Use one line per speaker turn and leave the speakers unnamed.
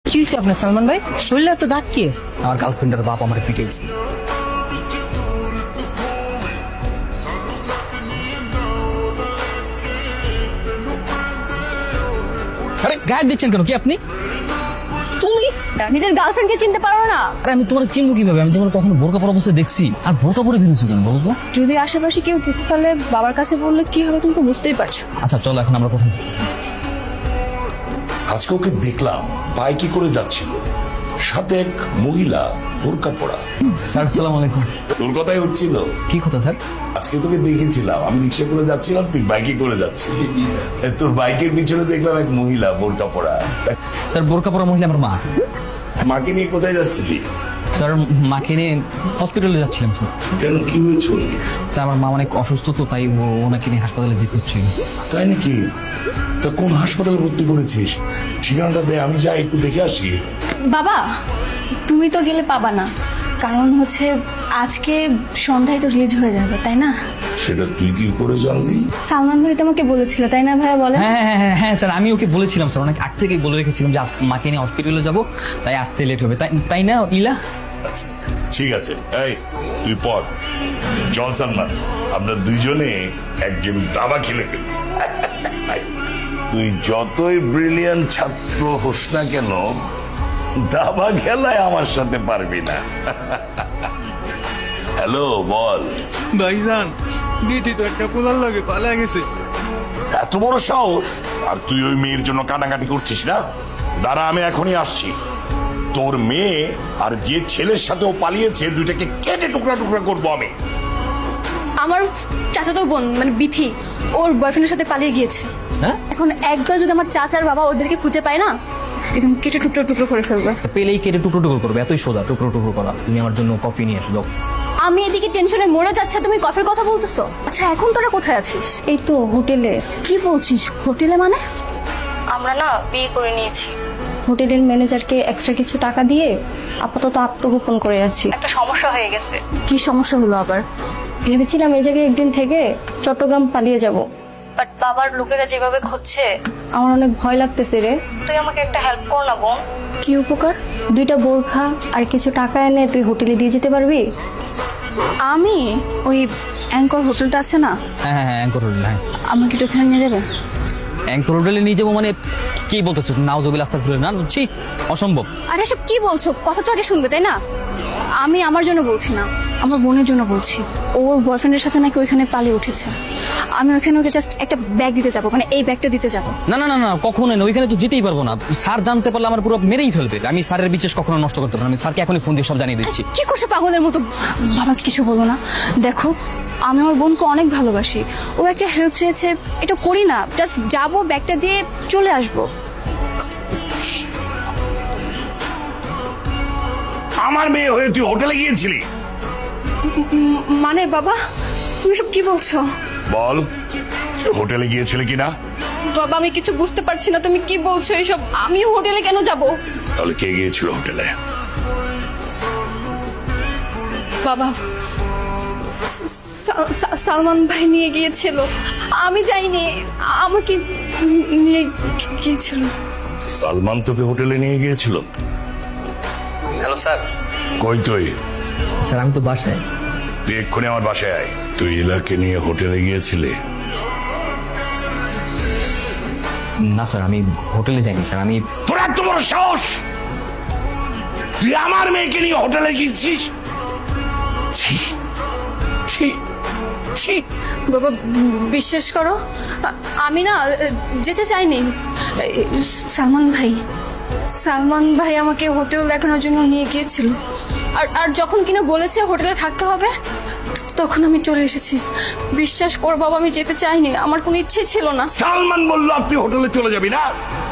কি হয়েছে আপনার সালমান ভাই? শরীরে তো দাগ কি?
আমার গার্লফ্রেন্ডের বাপ আমার পিটাইছে। আরে গায়ে দিচ্ছেন কেন? কি আপনি? তুমি
নিজের গার্লফ্রেন্ডকে চিনতে পারো না?
আরে আমি তোমার চিনবো কিভাবে? আমি তোমার কখনো বোরকা পরা অবস্থায় দেখছি? আর বোরকা পরে বেরোছো কেন বলো তো?
যদি আশেপাশে কেউ দেখে ফেলে, বাবার কাছে বললে কি হবে তুমি তো বুঝতেই পারছো।
আচ্ছা চলো এখন আমরা কথা
আজকে ওকে দেখলাম বাইকে করে যাচ্ছিল, সাথে এক মহিলা বোরকা পরা।
স্যার আসসালামু আলাইকুম।
তোর কথাই হচ্ছিল।
কি কথা স্যার?
আজকে তোকে দেখেছিলাম, আমি রিক্সা করে যাচ্ছিলাম, তুই বাইকে করে যাচ্ছিলি। তোর বাইকের পিছনে দেখলাম এক মহিলা বোরকা পরা।
স্যার বোরকা পরা মহিলা আমার মা।
মাকে নিয়ে কোথায় যাচ্ছিলি?
স্যার মাকে নিয়ে হসপিটালে যাচ্ছিলাম স্যার।
কেন, কি হয়েছিল?
স্যার আমার মা অনেক অসুস্থ তো, তাই ওনাকে নিয়ে হাসপাতালে যেতে হচ্ছিল।
তাই নাকি? তা কোন হাসপাতালে ভর্তি করেছিস? ঠিকানাটা দে, আমি যাই একটু দেখে আসি।
বাবা, তুমি তো গেলে পাবা না, কারণ হচ্ছে আজকে সন্ধ্যায় তো রিলিজ হয়ে যাবে, তাই না?
সেটা তুই কি করে জানলি?
সালমান ভাই তোমাকে বলেছিল, তাই না ভাইয়া? বলে
হ্যাঁ হ্যাঁ হ্যাঁ হ্যাঁ স্যার, আমি ওকে বলেছিলাম স্যার, অনেক আগ থেকেই বলে রেখেছিলাম যে আজকে মাকে নিয়ে হসপিটালে যাবো, তাই আসতে লেট হবে। তাই তাই না ইলা?
আচ্ছা ঠিক আছে, এই তুই পর। জন সালমান, আমরা দুইজনে একজন দাবা খেলে ফেলি। তুই যতই ব্রিলিয়ান্ট ছাত্র হোস না কেন, দাবা খেলায় আমার সাথে পারবি না। হ্যালো, বল।
ভাইজান, দিদি তো একটা পোলার লাগে পালা গেছে।
এত বড় সাহস! আর তুই ওই মেয়ের জন্য কাটাকাটি করছিস না? দাঁড়া, আমি এখনই আসছি। তোর মেয়ে আর যে ছেলের সাথে ও পালিয়েছে, দুইটাকে কেটে টুকরা টুকরা করবো আমি।
আমার চাচাতো বোন মানে বিথি ওর বয়ফ্রেন্ডের সাথে পালিয়ে গিয়েছে।
হ্যাঁ,
এখন একবার যদি আমার চাচার বাবা ওদেরকে খুঁজে পায় না, একদম কেটে টুকরো টুকরো করে ফেলবে।
পেলেই কেটে টুকরো টুকরো করবে, এতই সোজা টুকরো টুকরো করা। তুমি আমার জন্য কফি নিয়ে এসো।
আমি এদিকে টেনশনে মরে যাচ্ছে, তুমি কফির কথা বলতেছো? আচ্ছা এখন তোরা কোথায় আছিস? এই তো হোটেলে। কি বলছিস? হোটেলে মানে? আমরা না বিয়ে করে নিয়েছি। হোটেলের ম্যানেজারকে এক্সট্রা কিছু টাকা দিয়ে আপাতত আত্মগোপন করে আছি। একটা সমস্যা হয়ে গেছে। কি সমস্যা হলো আবার? ভেবেছিলাম এই জায়গায় একদিন থেকে চট্টগ্রাম পালিয়ে যাব, বাট বাবার লোকেরা যেভাবে খুঁজছে আমার অনেক ভয় লাগতেছে রে। তুই আমাকে একটা হেল্প কর না বোন। কি উপকার? 2টা বোরখা আর কিছু টাকা এনে তুই হোটেলে দিয়ে যেতে পারবি? আমি ওই অ্যাঙ্কর হোটেলটা আছে না,
হ্যাঁ হ্যাঁ হ্যাঁ, অ্যাঙ্কর হোটেল। হ্যাঁ,
আমাকে একটু ওখানে নিয়ে যাবে?
অ্যাঙ্কর হোটেলে নিয়ে যাবো মানে কি বলতেছো? নাউজুবিল্লাহ আস্তাগফিরুল্লাহ। না ছি, অসম্ভব।
আরে সব কি বলছো? কথা তো আগে শুনবে, তাই না? আমি আমার জন্য বলছি না, আমার বোনের জন্য বলছি। ওর বয়ফ্রেন্ডের সাথে নাকি ওইখানে পালিয়ে উঠেছে। আমি ওখানে ওকে জাস্ট একটা ব্যাগ দিতে যাবো, মানে এই ব্যাগটা দিতে যাবো।
না না না না, কখনোই না, ওইখানে তো যেতেই পারবো না। স্যার জানতে পারলে আমার পুরো মেরেই ফেলবে। আমি স্যারের বিশেষ কখনো নষ্ট করতে পারবো না। আমি স্যারকে এখনই ফোন দিয়ে সব জানিয়ে দিচ্ছি।
কি করছে পাগলের মতো? বাবাকে কিছু বলো না। দেখো, আমি আমার বোনকে অনেক ভালোবাসি। ও একটা হেল্প চেয়েছে, এটা করি না। জাস্ট যাবো, ব্যাগটা দিয়ে চলে আসবো।
আমার মেয়ে হয়ে তুই হোটেলে গিয়েছিলি?
মানে বাবা, তুমি সব কি বলছো?
বল, তুই হোটেলে গিয়েছিলি কিনা?
বাবা আমি কিছু বুঝতে পারছি না, তুমি কি বলছো এইসব? আমি হোটেলে কেন যাব?
তাহলে কে গিয়েছিল হোটেলে?
বাবা, সালমান ভাই নিয়ে গিয়েছিল, আমি যাইনি। আমাকে নিয়ে গিয়েছিল।
সালমান তোকে হোটেলে নিয়ে গিয়েছিল?
Hello sir.
কই তুই?
স্যার আমি তো বাসায়।
তুই এক্ষুনি আমার বাসায় আয়। তুই ইলাকে নিয়ে হোটেলে গিয়েছিলি?
না স্যার, আমি হোটেলে যাইনি স্যার। আমি
তোর এত বড় সাহস! তুই আমার মেয়েকে নিয়ে হোটেলে গিয়েছিস? ছি ছি ছি!
বাবা বিশ্বাস করো, আমি না যেতে চাইনি। সালমান ভাই আমাকে হোটেল দেখানোর জন্য নিয়ে গিয়েছিল। আর যখন কিনা বলেছে হোটেলে থাকতে হবে, তখন আমি চলে এসেছি। বিশ্বাস কর বাবা, আমি যেতে চাইনি, আমার কোনো ইচ্ছে ছিল না।
সালমান বললো আপনি হোটেলে চলে যাবি না?